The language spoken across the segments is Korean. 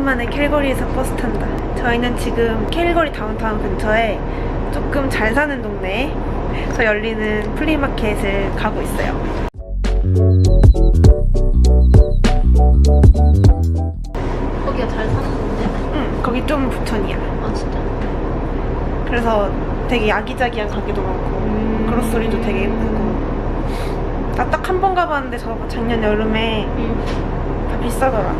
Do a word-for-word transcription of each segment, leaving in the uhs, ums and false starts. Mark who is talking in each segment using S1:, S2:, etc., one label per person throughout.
S1: 오랜만에 캘거리에서 버스 탄다. 저희는 지금 캘거리 다운타운 근처에 조금 잘 사는 동네에서 열리는 플리마켓을 가고 있어요.
S2: 거기가 잘 사는 건데?
S1: 응, 거기 좀 부천이야.
S2: 아 진짜?
S1: 그래서 되게 아기자기한 가게도 많고
S2: 음...
S1: 그로서리도 되게 예쁘고. 나 딱 한 번 가봤는데 저 작년 여름에
S2: 음.
S1: 다 비싸더라.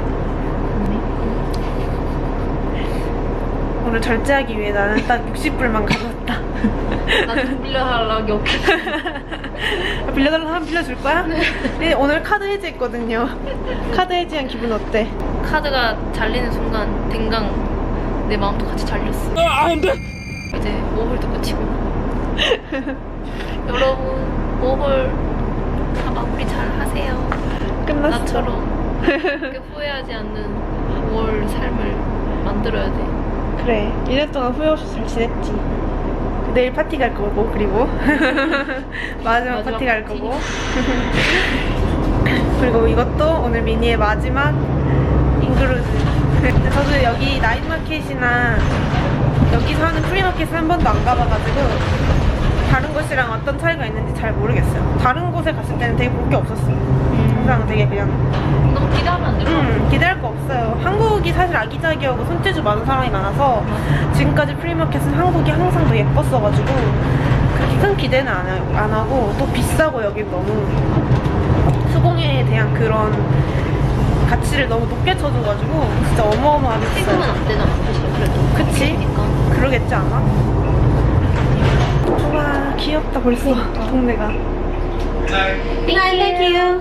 S1: 오늘 절제하기 위해 나는 딱 육십 불만 가져왔다.
S2: 나 좀 빌려달라고 여기.
S1: 빌려달라고 하면 빌려줄 거야? 네. 오늘 카드 해지했거든요. 카드 해지한 기분 어때?
S2: 카드가 잘리는 순간 댕강 내 마음도 같이 잘렸어.
S1: 아, 안 돼!
S2: 이제 오홀도 끝이고. 여러분 오홀 다 마무리 잘 하세요.
S1: 끝났어.
S2: 나처럼 그렇게 후회하지 않는 오월 삶을 만들어야 돼.
S1: 그래, 일 년 동안 후회 없이 잘 지냈지. 내일 파티 갈 거고, 그리고 마지막, 마지막 파티 갈 파티. 거고. 그리고 이것도 오늘 미니의 마지막 인그루즈. 근데 저도 여기 나잇마켓이나 여기서 하는 프리마켓을 한 번도 안 가봐가지고 다른 곳이랑 어떤 차이가 있는지 잘 모르겠어요. 다른 곳에 갔을 때는 되게 볼 게 없었어요. 항상 되게 그냥
S2: 너무 기대하면 안 될 것 같아.
S1: 음, 기대할 거 없어요. 한국이 사실 아기자기하고 손재주 많은 사람이 많아서 지금까지 프리마켓은 한국이 항상 더 예뻤어가지고 그렇게 큰 기대는 안, 하, 안 하고 또 비싸고 여기 너무 수공예에 대한 그런 가치를 너무 높게 쳐줘가지고 진짜 어마어마하게
S2: 세금은
S1: 비싸요.
S2: 안 되잖아 사실. 그래도
S1: 그치?
S2: 그러니까.
S1: 그러겠지 않아? 우와 귀엽다 벌써 동네가. Thank you.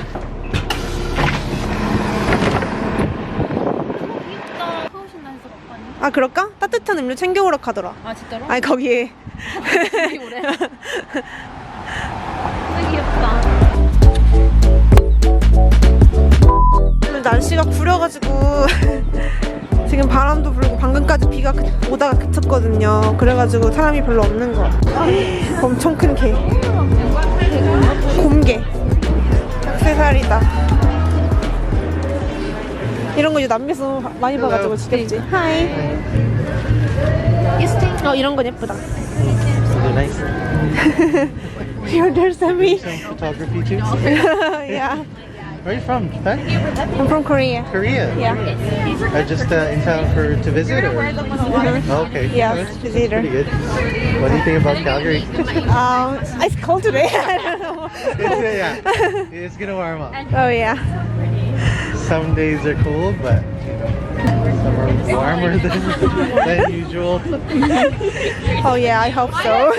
S1: 아 그럴까? 따뜻한 음료 챙겨오라 하더라.
S2: 아 진짜로?
S1: 아니 거기에
S2: 되게 오래. 되게 귀엽다.
S1: 오늘 날씨가 구려가지고 지금 바람도 불고 방금까지 비가 그, 오다가 그쳤거든요. 그래가지고 사람이 별로 없는 거. 엄청 큰 개. 곰개. 액세서리다. 이런 거 이제 남미에서 많이 봐가지고 지겹지. 하이. 어 이런 건 예쁘다.
S3: Nice.
S1: Here, there's a me.
S3: Some photography too.
S1: Yeah.
S3: Where are you from? Japan?
S1: I'm from Korea.
S3: Korea.
S1: Yeah.
S3: Uh, just uh, in town for to visit, or? Oh, okay.
S1: Yeah,
S3: That's
S1: visitor.
S3: pretty good. What do you think about Calgary?
S1: Um, it's cold today. I don't know.
S3: It's, yeah, it's gonna warm up.
S1: Oh yeah.
S3: Some days are cold, but some are warmer than, than usual.
S1: Oh yeah, I hope so.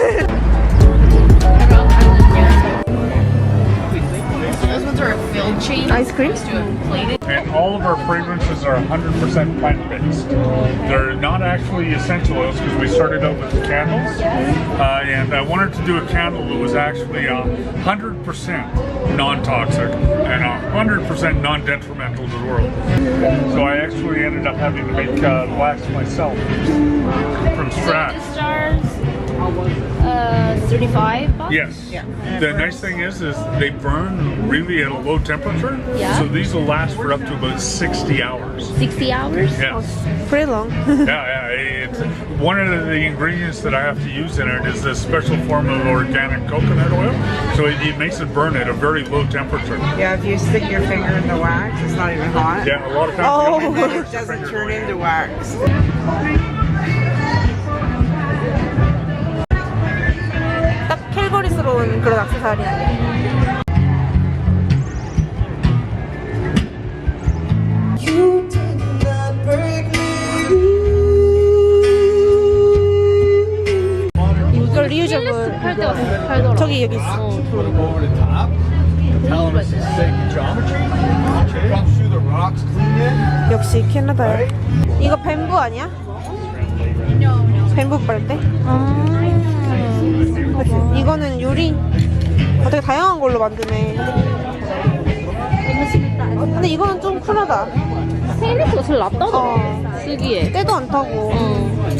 S2: Those ones are a filled chain.
S1: Ice cream?
S4: And all of our fragrances are one hundred percent plant-based. They're not actually essential oils because we started out with the candles. Uh, and I wanted to do a candle that was actually uh, one hundred percent non-toxic and one hundred percent non-detrimental to the world. So I actually ended up having to make uh, wax myself from scratch.
S2: Stars. Uh, thirty-five bucks?
S4: Yes. The nice thing is, is they burn really at a low temperature.
S2: Yeah.
S4: So these will last for up to about sixty hours.
S2: sixty hours?
S4: Yes.
S1: Pretty long.
S4: Yeah, yeah. It's, one of the ingredients that I have to use in it is this special form of organic coconut oil. So it, it makes it burn at a very low temperature.
S5: Yeah, if you stick your finger in the wax, it's not even hot.
S4: Yeah, a lot of times
S1: Oh.
S4: you
S5: And
S4: don't
S5: then
S4: even
S5: it
S4: put your
S5: doesn't
S4: finger
S5: turn
S4: in.
S5: into wax.
S1: 딱 캘거리스러운 그런 액세서리야. 이거 리유저블
S2: 팔 때가 팔더라.
S1: 저기 여기 있어.
S6: over the top. Tell them it's the same geometry. Comes through the rocks clean it.
S1: 역시 캐나다야. 이거 뱀부 아니야? 뱀부 빨대? 아. 그치? 이거는 유리. 어, 되게 다양한 걸로 만드네. 근데 이거는 좀 쿨하다.
S2: 스테인리스가 제일 낫다더라.
S1: 어.
S2: 쓰기에.
S1: 때도 안 타고.
S2: 어.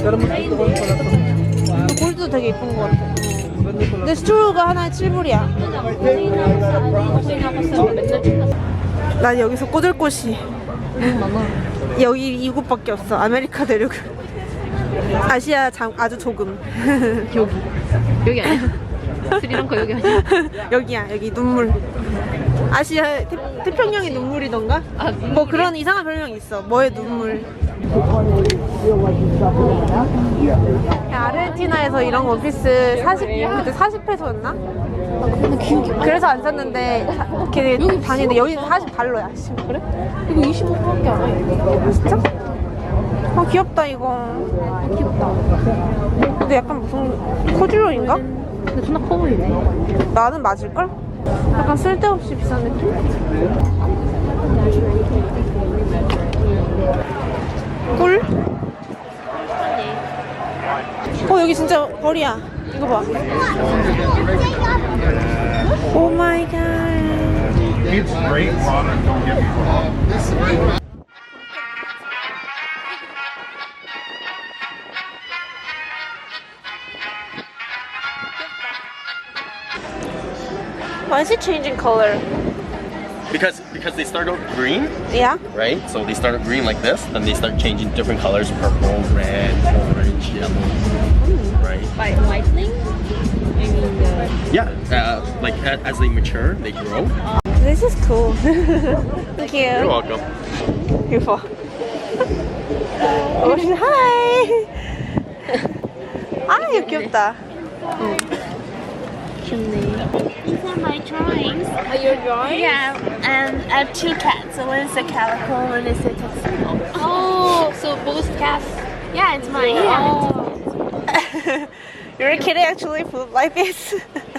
S1: 골드도 되게 예쁜 것 같아. 근데 스트로우가 하나에 칠 불이야. 난 여기서 꽂을 곳이
S2: 너무 많아.
S1: 여기 이곳밖에 없어. 아메리카 대륙. 아시아 장, 아주 조금.
S2: 여기 여기 아니야? 스리랑카 여기 아니야?
S1: 여기야, 여기 눈물. 아시아 태, 태평양의 눈물이던가?
S2: 아,
S1: 뭐 그런 이상한 별명이 있어. 뭐의 눈물. 아르헨티나에서 이런 원피스 사십, 그때 사십 페소였나? 그래서 안 샀는데 사- 걔네 다니는데 여기는 사십 달러야. 그래?
S2: 이거 이십오 불밖에 안 해.
S1: 진짜? 아 귀엽다 이거.
S2: 귀엽다.
S1: 근데 약간 무슨 코듀로인가?
S2: 근데 존나 커 보이네.
S1: 나는 맞을걸? 약간 쓸데없이 비싼 느낌? 꿀? 어 여기 진짜 거리야. 이거 봐. 오 마이 갓.
S4: It's great product, don't get me wrong.
S1: Why is it changing color?
S7: Because because they start out green,
S1: Yeah?
S7: right? So they start out green like this, then they start changing different colors: purple, red, orange, yellow. Right?
S2: By whitening? I mean the
S7: Yeah. Uh, like a- as they mature, they grow.
S1: This is cool. Thank you.
S7: You're welcome.
S1: Beautiful. Oh, hi. 아, 이거 귀엽다.
S8: These are my drawings.
S2: Are your drawing?
S8: Yeah, and I have two cats. So one is a calico, one is a tuxedo.
S2: Oh, so both cats.
S8: Yeah, it's mine. Yeah.
S1: You're kidding, actually, food like this.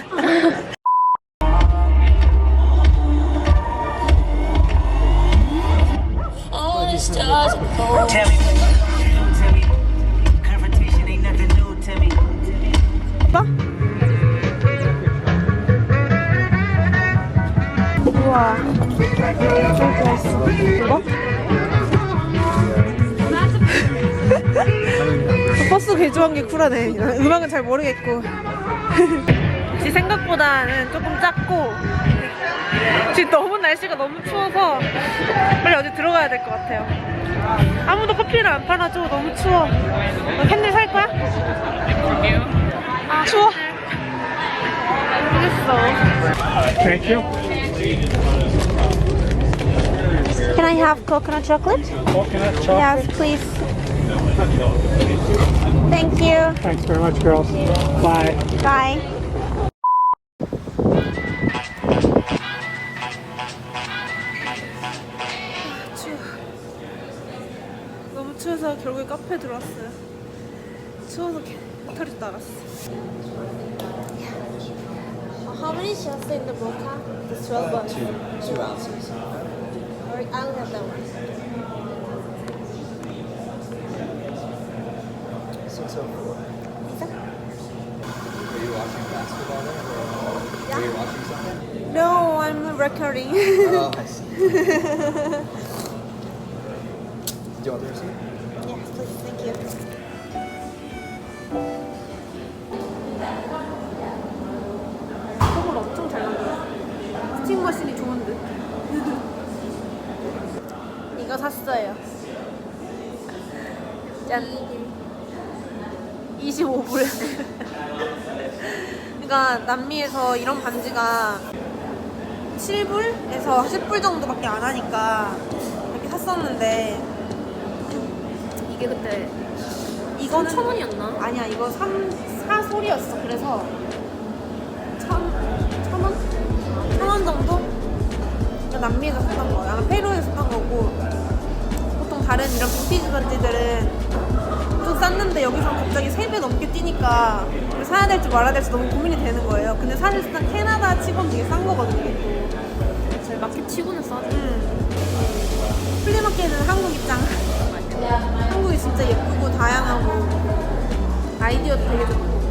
S8: Oh, the stars are cold.
S9: Tell me what you do to me. Confrontation ain't nothing new to me.
S1: 봐? 우와. 저기 왔어. 이거? 버스 개조한 게 쿨하네. 음악은 잘 모르겠고. 역시 생각보다는 조금 작고 지금 너무 날씨가 너무 추워서 빨리 어디 들어가야 될 것 같아요. 아무도 커피를 안 팔아줘. 너무 추워. 너 캔들 살 거야? 아, 추워. 모르겠어.
S4: Thank you.
S1: Can I have coconut chocolate?
S4: Coconut
S1: Yes, please. Thank you.
S4: Thanks very much, girls. Bye.
S1: Bye. 추워. 너무 추워서 결국에 카페에 들어왔어요. 추워서 배터리 나갔어. How many shots in the mocha? It's twelve bucks.
S6: Two, two ounces.
S1: Alright, I'll have that one.
S6: six oh four. Are you watching basketball then? Or are you watching something?
S1: No, I'm recording.
S6: Oh, I see. Do you want the receipt?
S1: Yes, please. Thank you. 속을 엄청 잘 만들어. 스팀 머신이 좋은 듯. 이거 샀어요. 짠. 이십오 불. 그러니까 남미에서 이런 반지가 칠 불에서 십 불 정도밖에 안 하니까 이렇게 샀었는데
S2: 이게 그때
S1: 이거는
S2: 천 원이었나?
S1: 아니야, 이거 삼, 사 솔이었어. 그래서 천, 천 원? 천 원 정도? 그러니까 남미에서 샀던 거야. 아마 페루에서 샀던 거고, 보통 다른 이런 빈티지 반지들은 좀 쌌는데 여기서 갑자기 세 배 넘게 뛰니까 이걸 사야 될지 말아야 될지 너무 고민이 되는 거예요. 근데 사실상 캐나다 치고는 되게 싼 거거든요, 이게 또.
S2: 제일 마켓 치고는 싸죠.
S1: 음. 플리마켓은 한국 입장. 한국이 진짜 예쁘고 다양하고 아이디어도 되게 좋고.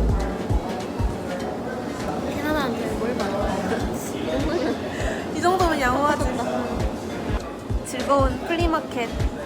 S2: 캐나다한테 뭘 말해? 이 정도면
S1: 이 정도면 양호하지. 즐거운 플리마켓